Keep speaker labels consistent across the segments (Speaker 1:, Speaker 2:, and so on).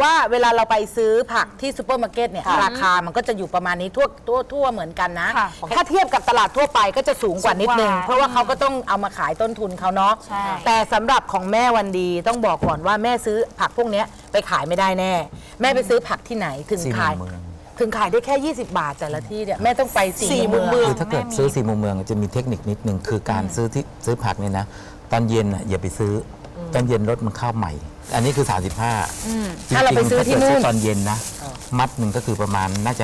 Speaker 1: ว่าเวลาเราไปซื้อผักที่ซูเปอร์มาร์เก็ตเนี่ยราคามันก็จะอยู่ประมาณนี้ทั่วเหมือนกันนะถ้าเทียบกับตลาดทั่วไปก็จะสูงกว่านิดนึงเพราะว่าเขาก็ต้องเอามาขายต้นทุนเขาเนาะแต่สำหรับของแม่วันดีต้องบอกก่อนว่าแม่ซื้อผักพวกนี้ไปขายไม่ได้แน่แม่ไปซื้อผักที่ไหนถึงขายได้แค่ 20 บาทแต่ละที่เนี่ยแม่ต้องไปสี่มุมเมือง
Speaker 2: คือถ้าเกิดซื้อ4 มุมเมืองจะมีเทคนิคนิดนึงคือการซื้อผักเนี่ยนะตอนเย็นอย่าไปซื้อตอนเย็นรถมันเข้าใหม่อันนี้คือ35
Speaker 1: ถ้าเราไปซื้อที่นู่น
Speaker 2: ตอนเย็นนะมัดหนึ่งก็คือประมาณน่าจะ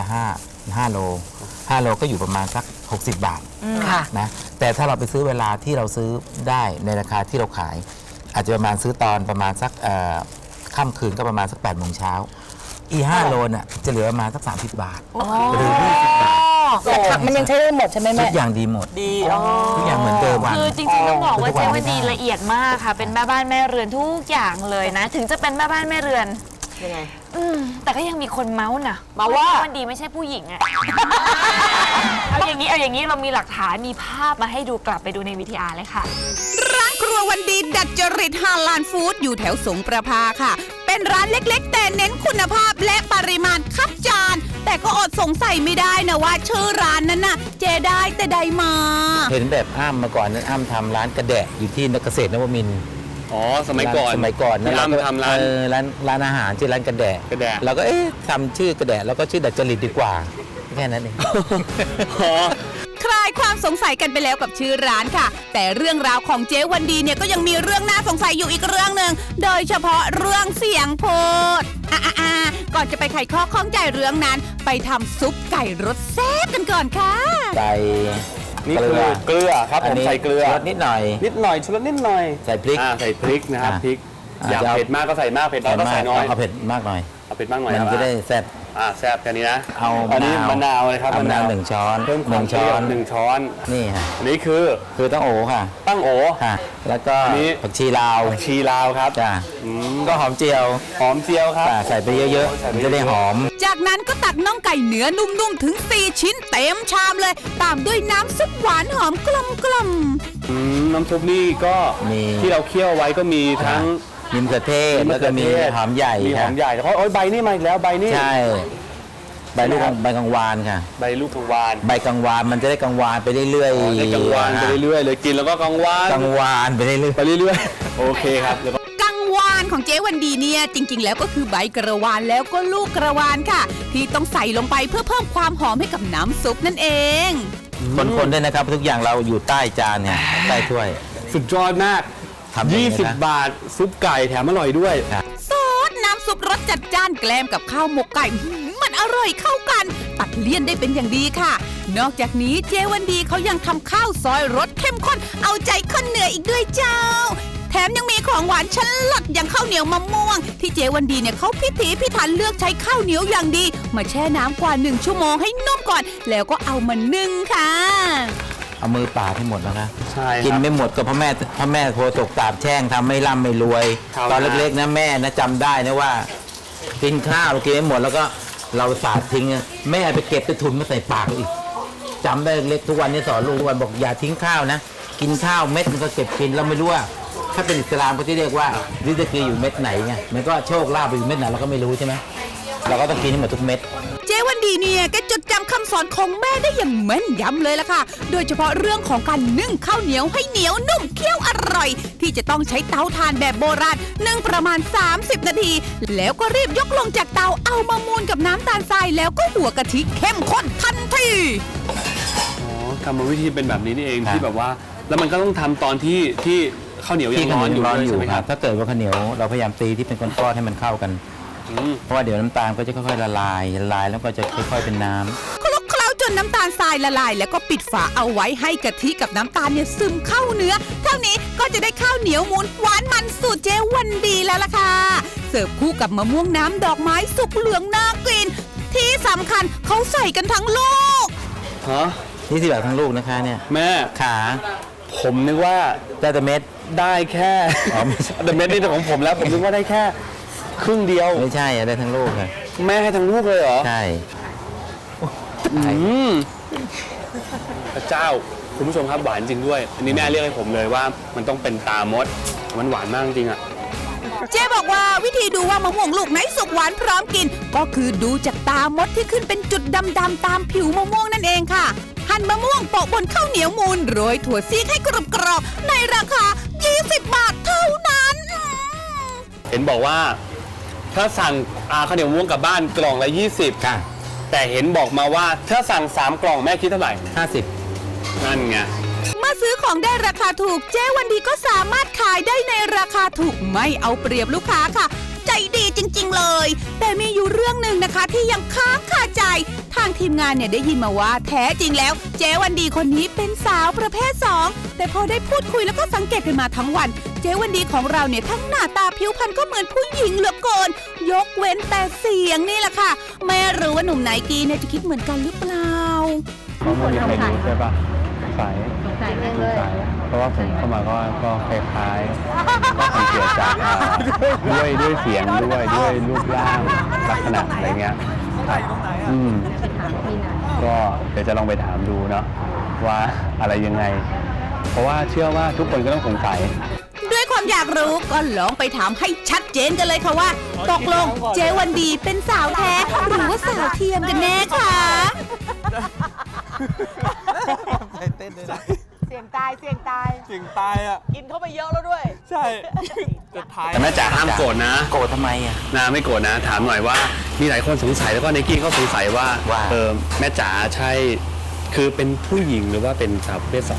Speaker 2: 5โลก็อยู่ประมาณสัก60 บาทนะแต่ถ้าเราไปซื้อเวลาที่เราซื้อได้ในราคาที่เราขายอาจจะประมาณซื้อตอนประมาณสักค่ำคืนก็ประมาณสัก8 โมงเช้าอี5 โลน่ะจะเหลือประมาณสัก30 บาทหรือ20 บาท
Speaker 1: แต่ผักมันยังใช้ได้หมดใช่ไหมแม่
Speaker 2: ทุกอย่างดีหมดทุกอย่างเหมือนเดิม
Speaker 3: คือจริงๆต้องบอกว่าเจ๊วันดีละเอียดมากค่ะเป็นแม่บ้านแม่เรือนทุกอย่างเลยนะถึงจะเป็นแม่บ้านแม่เรือน
Speaker 1: ยังไง
Speaker 3: แต่ก็ยังมีคนเมาส์นะ
Speaker 1: มาว่า
Speaker 3: วันดีไม่ใช่ผู้หญิงอะเอาอย่างนี้เรามีหลักฐานมีภาพมาให้ดูกลับไปดูในวิทยาเลยค่ะ
Speaker 4: ร้านครัววันดีดัดจริตฮาลาลฟู้ดอยู่แถวสงประภาค่ะเป็นร้านเล็กๆแต่เน้นคุณภาพและปริมาณคับจานแต่ก็อดสงสัยไม่ได้นะว่าชื่อร้านนั้นน่ะเจได้แต่ใดมา
Speaker 2: เห็นแบบอ้ำมาก่อนนั้นอ้ำทำร้านกระแดะอยู่ที่เกษตรนวมินทร์
Speaker 5: สมัยก่อน
Speaker 2: นะ
Speaker 5: เราทำ
Speaker 2: ร้านอาหารชื่อร้านกระแดะเราก็ทำชื่อกระแดะแล้วก็ชื่อดัดจริตดีกว่าแค่นั้นเอง
Speaker 4: คลายความสงสัยกันไปแล้วกับชื่อร้านค่ะแต่เรื่องราวของเจ๊วันดีเนี่ยก็ยังมีเรื่องน่าสงสัยอยู่อีกเรื่องหนึ่งโดยเฉพาะเรื่องเสียงพูดก่อนจะไปไขข้อข้องใจเรื่องนั้นไปทำซุปไก่รสแซ่บกันก่อนค่ะ
Speaker 2: ไก่
Speaker 5: นี่คือเกลือครับผมใส่เกลือ
Speaker 2: นิดหน่อย
Speaker 5: ชุดนิดหน่อย
Speaker 2: ใส่พริก
Speaker 5: นะครับพริกอยากเผ็ดมากก็ใส่มากเผ็ดน้อยก็ใส่น้อย
Speaker 2: เอาเผ็ดมากหน่อย
Speaker 5: เอาเผ็ดมากหน่อย
Speaker 2: มันจะได้แซ่บ
Speaker 5: แซ่บแค่นี้นะ
Speaker 2: อัน
Speaker 5: นี้มะนาวเลยครับ
Speaker 2: มะนาว1 ช้อน1 ช้
Speaker 5: อน
Speaker 2: นี่ฮะ
Speaker 5: อันนี้คือ
Speaker 2: ตั้งโอค่ะค่ะแล้วก็ผักชีลาว
Speaker 5: ครับ
Speaker 2: จ้ะก็หอมเจียว
Speaker 5: ครับ
Speaker 2: ใส่ไปเยอะๆมันจะได้หอม
Speaker 4: จากนั้นก็ตักน่องไก่เนื้อนุ่มๆถึง4 ชิ้นเต็มชามเลยตามด้วยน้ำซุปหวานหอมกลม
Speaker 5: น้ำซุปนี่ก็ที่เราเคี่ยวไว้ก็มีทั้ง
Speaker 2: มะเขือเทศแล้วก็มีหอมใหญ่
Speaker 5: เพราะใบนี่มาอีกแล้วใบนี่
Speaker 2: ใช่ใบกังวานค่ะ
Speaker 5: ใบลูกกังวาน
Speaker 2: ใบกังวานมันจะได้กังวานไปเรื่อยๆ
Speaker 5: ได้กังวานไปเรื่อยๆเลยกินแล้วก็กังว
Speaker 2: านไปเรื่อย
Speaker 5: ๆโอเคครับ
Speaker 4: กังวานของเจ๊วันดีเนี่ยจริงๆแล้วก็คือใบกระวานแล้วก็ลูกกระวานค่ะที่ต้องใส่ลงไปเพื่อเพิ่มความหอมให้กับน้ำซุปนั่นเอง
Speaker 2: คนๆด้วยนะครับทุกอย่างเราอยู่ใต้จานเนี่ยใต้ถ้วย
Speaker 5: สุดยอดมาก20 บาทซุปไก่แถมอร่อยด้วย
Speaker 4: ซอสน้ำซุปรสจัดจ้านแกล้มกับข้าวหมกไก่มันอร่อยเข้ากันตัดเลี่ยนได้เป็นอย่างดีค่ะนอกจากนี้เจวันดีเขายังทำข้าวซอยรสเข้มข้นเอาใจคนเหนืออีกด้วยเจ้าแถมยังมีของหวานชั้นเลิศอย่างข้าวเหนียวมะม่วงที่เจวันดีเนี่ยเขาพิถีพิถันเลือกใช้ข้าวเหนียวอย่างดีมาแช่น้ำกว่า1 ชั่วโมงให้นุ่มก่อนแล้วก็เอามานึ่งค่ะ
Speaker 2: เอามือป่าให้หมดแล้วนะ
Speaker 5: ใช่
Speaker 2: กินไม่หมดก็เพราะแม่โพตกตาบแช่งทำไม่ร่ำไม่รวยตอนเล็กๆนะแม่นะจำได้นะว่ากินข้าวกินไม่หมดแล้วก็เราสาดทิ้งแม่ไปเก็บไปทุนมาใส่ปากอีกจำได้เล็กทุกวันนี้สอนลูกทุกวันบอกอย่าทิ้งข้าวนะกินข้าวเม็ดมันก็เก็บกินเราไม่รู้ว่าถ้าเป็นอิสลามเขาที่เรียกว่าริสกีอยู่เม็ดไหนไงมันก็โชคลาภไปอยู่เม็ดไหนเราก็ไม่รู้ใช่ไหมเราก็ต้องกินให้หมดทุกเม็ด
Speaker 4: เจวันดีเนี่ยแกจดจำคำสอนของแม่ได้อย่างแม่นยำเลยล่ะค่ะโดยเฉพาะเรื่องของการนึ่งข้าวเหนียวให้เหนียวนุ่มเคี้ยวอร่อยที่จะต้องใช้เตาถ่านแบบโบราณนึ่งประมาณ30 นาทีแล้วก็รีบยกลงจากเตาเอามามูนกับน้ำตาลทรายแล้วก็หัวกะทิเข้มข้นทันที
Speaker 5: กรรมวิธีเป็นแบบนี้นี่เองที่แบบว่าแล้วมันก็ต้องทำตอนที่ข้าวเหนียวยังร้อนอยู่ใช่ไหมครับ
Speaker 2: ถ้าเกิดว่าข้าวเหนียวเราพยายามตีที่เป็นก้อนๆให้มันเข้ากันเพราะว่าเดี๋ยวน้ำตาลก็จะค่อยๆละลายแล้วก็จะค่อยๆเป็นน้ำ
Speaker 4: คลุกเคล้าจนน้ำตาลทรายละลายแล้วก็ปิดฝาเอาไว้ให้กะทิกับน้ำตาลเนี่ยซึมเข้าเนื้อเท่านี้ก็จะได้ข้าวเหนียวมูนหวานมันสูตรเจวันดีแล้วล่ะค่ะเสิร์ฟคู่กับมะม่วงน้ำดอกไม้สุกเหลืองน่ากินที่สำคัญเขาใส่กันทั้งลูก
Speaker 2: นี่สิแบบทั้งลูกนะคะเนี่ย
Speaker 5: แม่
Speaker 2: ขา
Speaker 5: ผมนึกว่า
Speaker 2: ได้แต่เม็ด
Speaker 5: ได้แค่แต่เม็ดนี่ของผมแล้วผมนึกว่าได้แค่ครึ่งเดียว
Speaker 2: ไม่ใช่ได้ทั้งลูกค่ะ
Speaker 5: แม่ให้ทั้งลูกเลยเหรอ
Speaker 2: ใช่
Speaker 5: พระเจ้าคุณผู้ชมครับหวานจริงด้วยอันนี้แม่เรียกให้ผมเลยว่ามันต้องเป็นตามดมันหวานมากจริงอ่ะ
Speaker 4: เจ๊บอกว่าวิธีดูว่ามะม่วงลูกไหนสุกหวานพร้อมกิน ก็คือดูจากตามดที่ขึ้นเป็นจุดดำๆตามผิวมะม่วงนั่นเองค่ะ หั่นมะม่วงโปะบนข้าวเหนียวมูนโรยถั่วซีกให้กรอบๆในราคา 20 บาทเท่านั้น
Speaker 5: เห็นบอกว่าถ้าสั่งข้าวเหนียวมะม่วงกลับบ้านกล่องละ 20
Speaker 2: ค่ะ
Speaker 5: แต่เห็นบอกมาว่าถ้าสั่ง3กล่องแม่คิดเท่าไหร่
Speaker 2: 50
Speaker 5: นั่นไง
Speaker 4: เมื่อซื้อของได้ราคาถูกเจ๊วันดีก็สามารถขายได้ในราคาถูกไม่เอาเปรียบลูกค้าค่ะ ใจดีจริงๆเลย แต่มีอยู่เรื่องหนึ่งนะคะที่ยังค้างคาใจ ทางทีมงานเนี่ยได้ยินมาว่าแท้จริงแล้วเจ๊วันดีคนนี้เป็นสาวประเภท 2 แต่พอได้พูดคุยแล้วก็สังเกตกันมาทั้งวัน เจ๊วันดีของเราเนี่ยทั้งหน้าตาผิวพรรณก็เหมือนผู้หญิงเหลือเกินยกเว้นแต่เสียงนี่แหละค่ะไม่รู้ว่าหนุ่มไนกี้เนี่ยจะคิดเหมือนกันหรือเปล่า
Speaker 6: เพราะไม่มีใครรู้ใช่ปะสงสัยเพราะว่าผมเข้ามาก็คล้ายๆก็สังเกตจากด้วยเสียงด้วยรูปร่างลักษณะอะไรเงี้ยก็เดี๋ยวจะลองไปถามดูเนาะว่าอะไรยังไง เพราะว่าเชื่อว่าทุกคนก็ต้องสงสัย
Speaker 4: ด้วยความอยากรู้ก็ลองไปถามให้ชัดเจนกันเลยค่ะว่า ตกลงเจ๊วันดีเป็นสาวแท้หรือว่าสาวเทียมกันแน่คะ
Speaker 1: เสียงตาย
Speaker 5: กินเข้าไปเยอะแล้วด้วย ใช่แต่แม่จ๋าห้ามโกรธนะ
Speaker 2: โกรธทำไมอ่ะ
Speaker 5: นาไม่โกรธนะ ถามหน่อยว่ามีหลายคนสงสัยแล้วก็ไนกี้เขาสงสัยว่า
Speaker 2: ว่า
Speaker 5: แม่จ๋าใช่คือเป็นผู้หญิงหรือว่าเป็นสาวประเภท 2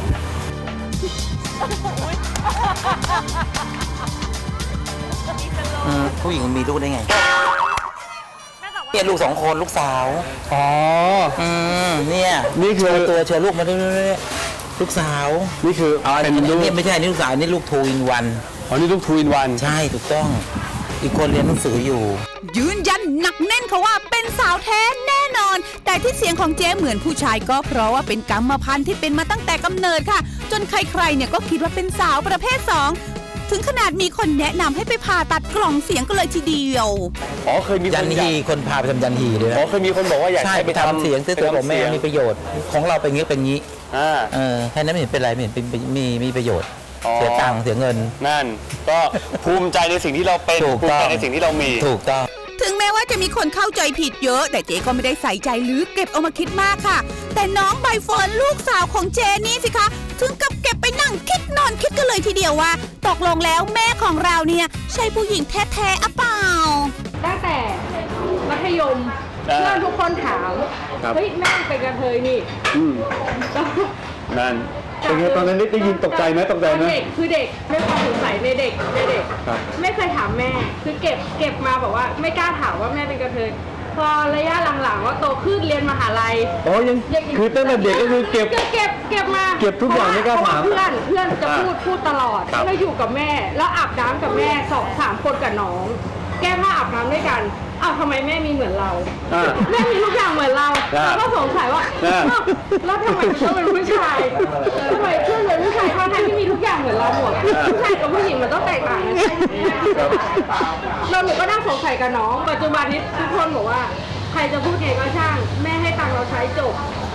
Speaker 2: ผู้หญิงมีลูกได้ไงเนี่ยลูก2 คนลูกสาว
Speaker 5: อ๋อ
Speaker 2: เนี่ย
Speaker 5: นี่คือ
Speaker 2: ตัวเชิญลูกมาด้วยลูกสาว
Speaker 5: นี่คือ
Speaker 2: เป็น
Speaker 5: ลูก
Speaker 2: นี่ไม่ใช่นี่ลูกสาวนี่ลูกทูอินวัน
Speaker 5: อ๋อนี่ลูกทูอินวัน
Speaker 2: ใช่ถูกต้อง อีกคนเรียนหนังสืออยู่
Speaker 4: ยืนยันหนักแน่นค่ะว่าเป็นสาวแท้แน่นอน แต่ที่เสียงของเจ๊เหมือนผู้ชายก็เพราะว่าเป็นกรรมพันธุ์ที่เป็นมาตั้งแต่กำเนิดค่ะ จนใครๆเนี่ยก็คิดว่าเป็นสาวประเภท 2 ถึงขนาดมีคนแนะนำให้ไปผ่าตัดกล่องเสียงกันเลยทีเดียว
Speaker 5: อ๋อเคยมี
Speaker 2: ยันฮีคนพาไปทำยันฮีด้วยนะ
Speaker 5: อ๋อเคยมีคนบอกว่าอยาก
Speaker 2: ใช่
Speaker 5: ให้
Speaker 2: ไปทำเสียงซื้อตัวบอกแม่มีประโยชน์ของเราเป็นงี้เป็นงี้ แค่นั้นไม่เห็นเป็นไรไม่เห็นเป็นมีประโยชน์ เสียตังค์เสียเงิน
Speaker 5: นั่นก็ภูมิใจในสิ่งที่เราเป็น
Speaker 2: ถูก
Speaker 5: ภู
Speaker 2: ต้
Speaker 5: มิ
Speaker 2: อง
Speaker 5: ใจในสิ่งที่เรามี
Speaker 2: ถูกต้อง
Speaker 4: ถึงแม้ว่าจะมีคนเข้าใจผิดเยอะ แต่เจ๊ก็ไม่ได้ใส่ใจหรือเก็บเอามาคิดมากค่ะ แต่น้องใบเฟิร์นลูกสาวของเจนี่สิคะถึงกับเก็บไปนั่งคิดนอนคิดกันเลยทีเดียวว่า ตกลงแล้วแม่ของเราเนี่ยใช่ผู้หญิงแท้ๆอะเปล่า
Speaker 7: ตั้งแต่มัธยมเพื่อนทุกคนถาม
Speaker 5: ครับ
Speaker 7: เฮ้ยแม่เป็นกระเทยนี่
Speaker 5: นั่นเป็นไงตอนนั้นได้ยินตกใจไหมตกใจไหม
Speaker 7: เด็กคือเด็กไม่ความสงสัยในเด็ก
Speaker 5: ครับ
Speaker 7: ไม่เคยถามแม่คือเก็บมาบอกว่าไม่กล้าถามว่าแม่เป็นกระเทยพอระยะหลังๆว่าโตขึ้นเรียนมหาลัย
Speaker 5: อ๋อยังคือตั้งแต่เด็กก็คือเก็บ
Speaker 7: เก็บมา
Speaker 5: เก็บทุกอย่างไม่กล้าถาม
Speaker 7: เพระว่เพื่อนจะพูดตลอด
Speaker 5: ครับ
Speaker 7: แล้วอยู่กับแม่แล้วอาบน้ำกับแม่2-3 คนกับน้อง แก้ผ้าอาบน้ำด้วยกันอ้าวทำไมแม่มีเหมือนเรา แม่มีทุกอย่างเหมือนเราเราก็สงสัยว่าอ้าวแล้วทำไมมันต้องเป็นผู้ชายทำไมเพื่อนเป็นผู้ชายทั้งที่มีทุกอย่างเหมือนเราหมดผู้ชายกับผู้หญิงมันต้องแตกต่างกันเราหนูก็นั่งสงสัยกับน้องปัจจุบันนี้ทุกคนบอกว่าใครจะพูดไงก็ช่างแม่ให้ตังค์เราใช้จบ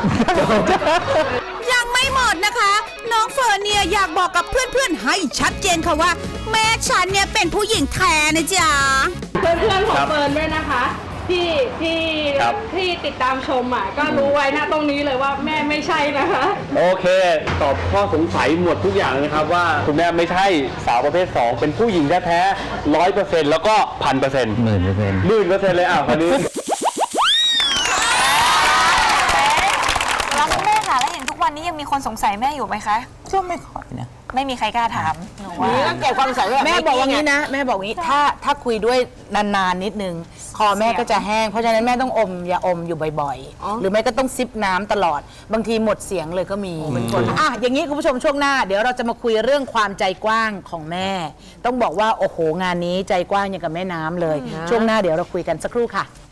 Speaker 4: ยังไม่หมดนะคะ น้องเฟิร์นเนี่ยอยากบอกกับเพื่อนๆให้ชัดเจนค่ะว่า แม่ฉันเนี่ยเป็นผู้หญิงแท้นะจ๊ะ
Speaker 7: เพื่อนๆของเฟิร์นด้วยนะคะ ที่
Speaker 5: ครับ
Speaker 7: ที่ติดตามชมอ่ะก็รู้ไว้นะตรงนี้เลยว่าแม่ไม่ใช่นะคะ
Speaker 5: โอเค ตอบข้อสงสัยหมดทุกอย่างเลยนะครับว่าคุณแม่ไม่ใช่สาวประเภท 2 เป็นผู้หญิงแท้ๆ100%แล้วก็ 1,000%
Speaker 2: 10,000%
Speaker 5: เลยคนนี้
Speaker 3: แล้วคุณแม่ค่ะแล้วอย่างทุกวันนี้ยังมีคนสงสัยแม่อยู่ไหมคะ
Speaker 2: ก็ไม่ค่อยนะ
Speaker 3: ไม่มีใครกล้าถามหนูว่า
Speaker 1: ต้องเก็บความสงสัยแม่บอกว่างี้นะแม่บอกงี้ถ้าคุยด้วยนานๆนิดนึงคอแม่ก็จะแห้งเพราะฉะนั้นแม่ต้องอมยาอมอยู่บ่อยๆ หรือไม่ก็ต้องซิปน้ำตลอด บางทีหมดเสียงเลยก็มีอย่างนี้คุณผู้ชมช่วงหน้าเดี๋ยวเราจะมาคุยเรื่องความใจกว้างของแม่ ต้องบอกว่าโอ้โหงานนี้ใจกว้างอย่างกับแม่น้ำเลย ช่วงหน้าเดี๋ยวเราคุยกันสักครู่ค่ะ